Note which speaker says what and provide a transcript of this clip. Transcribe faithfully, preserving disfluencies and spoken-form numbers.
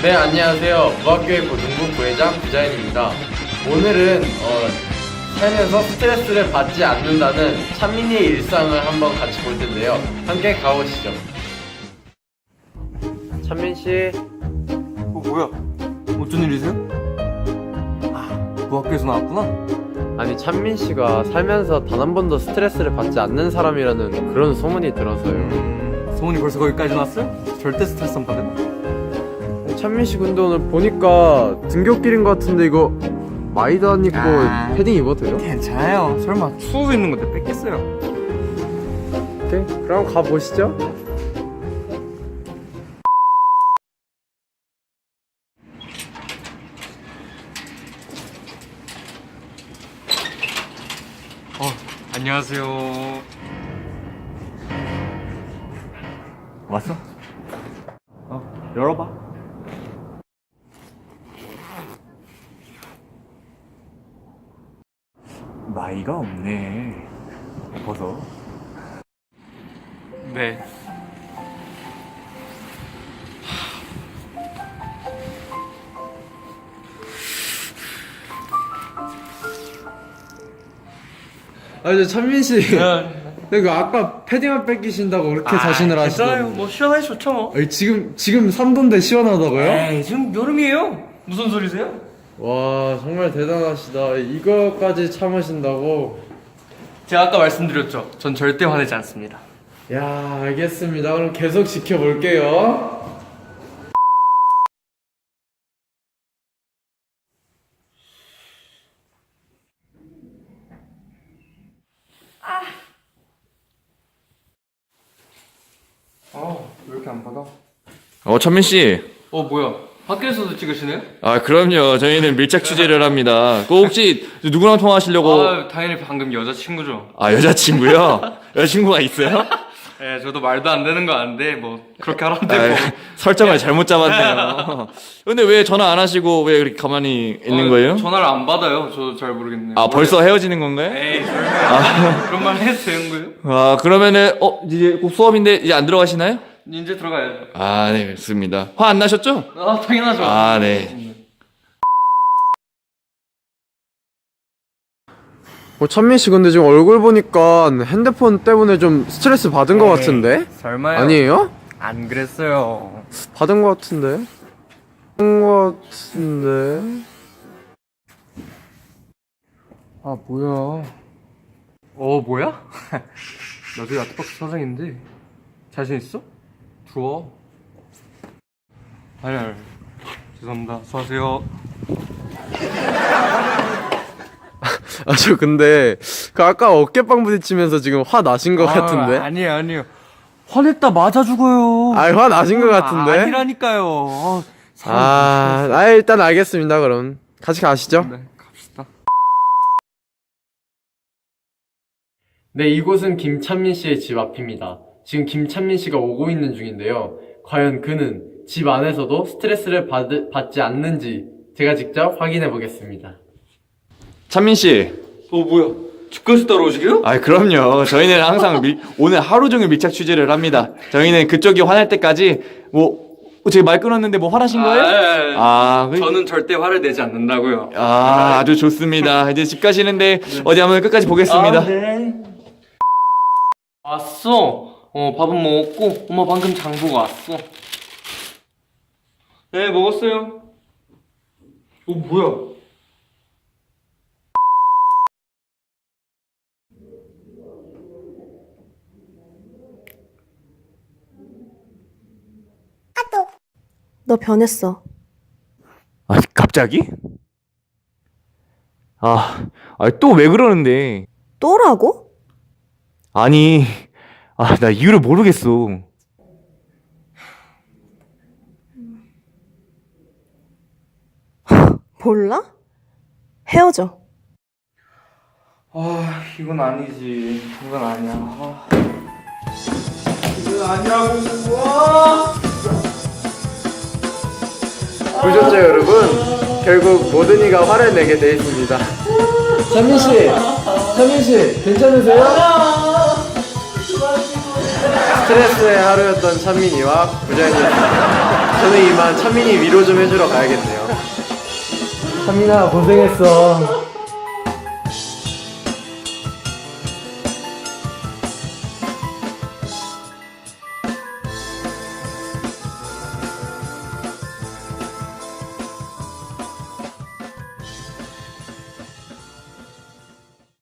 Speaker 1: 네, 안녕하세요. 무학교의 고등부 부회장 부자연입니다. 오늘은 어, 살면서 스트레스를 받지 않는다는 찬민이의 일상을 한번 같이 볼 텐데요. 함께 가보시죠. 찬민 씨.
Speaker 2: 어, 뭐야? 어쩐 일이세요? 아, 무학교에서 나왔구나?
Speaker 1: 아니, 찬민 씨가 살면서 단 한 번도 스트레스를 받지 않는 사람이라는 그런 소문이 들어서요.
Speaker 2: 음, 소문이 벌써 거기까지 났어요? 절대 스트레스 안 받아요?
Speaker 1: 찬민 씨 근데 오늘 보니까 등굣길인 것 같은데 이거 마이도 안 입고
Speaker 2: 아,
Speaker 1: 패딩 입어도 돼요?
Speaker 2: 괜찮아요. 설마 추워 있는 건데 뺏겠어요?
Speaker 1: 오케이, 그럼 가보시죠.
Speaker 2: 어, 안녕하세요. 왔어? 어, 열어봐. 나이가 없네. 벗어. 네.
Speaker 1: 아니, 찬민 씨. 그 아까 패딩을 뺏기신다고 그렇게 자신을 하시던데.
Speaker 2: 괜찮아요. 뭐 시원하게 좋죠 뭐.
Speaker 1: 아니, 지금 지금 삼 도인데 시원하다고요?
Speaker 2: 에이, 지금 여름이에요. 무슨 소리세요?
Speaker 1: 와, 정말 대단하시다. 이거까지 참으신다고.
Speaker 2: 제가 아까 말씀드렸죠. 전 절대 화내지 않습니다.
Speaker 1: 야, 알겠습니다. 그럼 계속 지켜볼게요.
Speaker 2: 아, 왜 이렇게 안 받아?
Speaker 3: 어, 천민 씨.
Speaker 2: 어, 뭐야? 밖에서도 찍으시네요?
Speaker 3: 아, 그럼요. 저희는 밀착 취재를 합니다. 그 혹시 누구랑 통화하시려고?
Speaker 2: 아, 당연히 방금 여자친구죠.
Speaker 3: 아, 여자친구요? 여자친구가 있어요?
Speaker 2: 예, 저도 말도 안 되는 거 아는데 뭐 그렇게 하라는데
Speaker 3: 아,
Speaker 2: 뭐.
Speaker 3: 설정을 잘못 잡았네요. 근데 왜 전화 안 하시고 왜 그렇게 가만히 있는
Speaker 2: 어,
Speaker 3: 거예요?
Speaker 2: 전화를 안 받아요. 저도 잘 모르겠네요.
Speaker 3: 아, 벌써 헤어지는 건가요?
Speaker 2: 에이, 설마. 그런 말 해도 되는 거예요?
Speaker 3: 아, 그러면은 어, 이제 곧 수업인데 이제 안 들어가시나요?
Speaker 2: 이제 들어가야죠.
Speaker 3: 아, 네, 좋습니다. 화 안 나셨죠?
Speaker 2: 아, 당연하죠.
Speaker 3: 아, 네.
Speaker 1: 어, 찬민 씨 근데 지금 얼굴 보니까 핸드폰 때문에 좀 스트레스 받은 것 같은데?
Speaker 2: 설마요?
Speaker 1: 아니에요?
Speaker 2: 안 그랬어요.
Speaker 1: 받은 것 같은데? 받은 것 같은데?
Speaker 2: 아, 뭐야? 어, 뭐야? 나도 아트박스 사장인데 자신 있어? 들어와. 아니, 아니. 죄송합니다. 수고하세요.
Speaker 1: 아, 저 근데 그 아까 어깨빵 부딪히면서 지금 화 나신 것 같은데?
Speaker 2: 아니에요, 아니에요. 화냈다 맞아 죽어요.
Speaker 1: 아, 화 나신 것 같은데?
Speaker 2: 아, 아니라니까요. 아, 사람
Speaker 1: 아, 아, 일단 알겠습니다. 그럼 같이 가시죠.
Speaker 2: 네, 갑시다.
Speaker 1: 네, 이곳은 김찬민 씨의 집 앞입니다. 지금 김찬민 씨가 오고 있는 중인데요. 과연 그는 집 안에서도 스트레스를 받, 받지 않는지 제가 직접 확인해 보겠습니다.
Speaker 3: 찬민 씨.
Speaker 2: 어, 뭐야? 집까지 따라오시게요?
Speaker 3: 아, 그럼요. 저희는 항상 밀, 오늘 하루 종일 밀착 취재를 합니다. 저희는 그쪽이 화날 때까지 뭐 어, 제가 말 끊었는데 뭐 화나신 거예요?
Speaker 2: 아,
Speaker 3: 아, 그-
Speaker 2: 저는 절대 화를 내지 않는다고요.
Speaker 3: 아, 아주 좋습니다. 이제 집 가시는데 어디 한번 끝까지 보겠습니다.
Speaker 2: 아, 네. 왔어. 어, 밥은 먹었고, 엄마 방금 장 보고 왔어. 네, 먹었어요. 어, 뭐야?
Speaker 4: 너 변했어.
Speaker 3: 아, 갑자기? 아, 아, 또 왜 그러는데?
Speaker 4: 또라고?
Speaker 3: 아니, 아, 나 이유를 모르겠어.
Speaker 4: 몰라? 헤어져.
Speaker 2: 아, 이건 아니지. 이건 아니야. 아. 이건 아니라고. 와!
Speaker 1: 보셨죠, 여러분? 결국 모든 이가 화를 내게 돼 있습니다. 찬민 씨, 찬민 씨, 괜찮으세요? 스트레스의 하루였던 찬민이와 부자연이었습니다. 저는 이만 찬민이 위로 좀 해주러 가야겠네요. 찬민아 고생했어.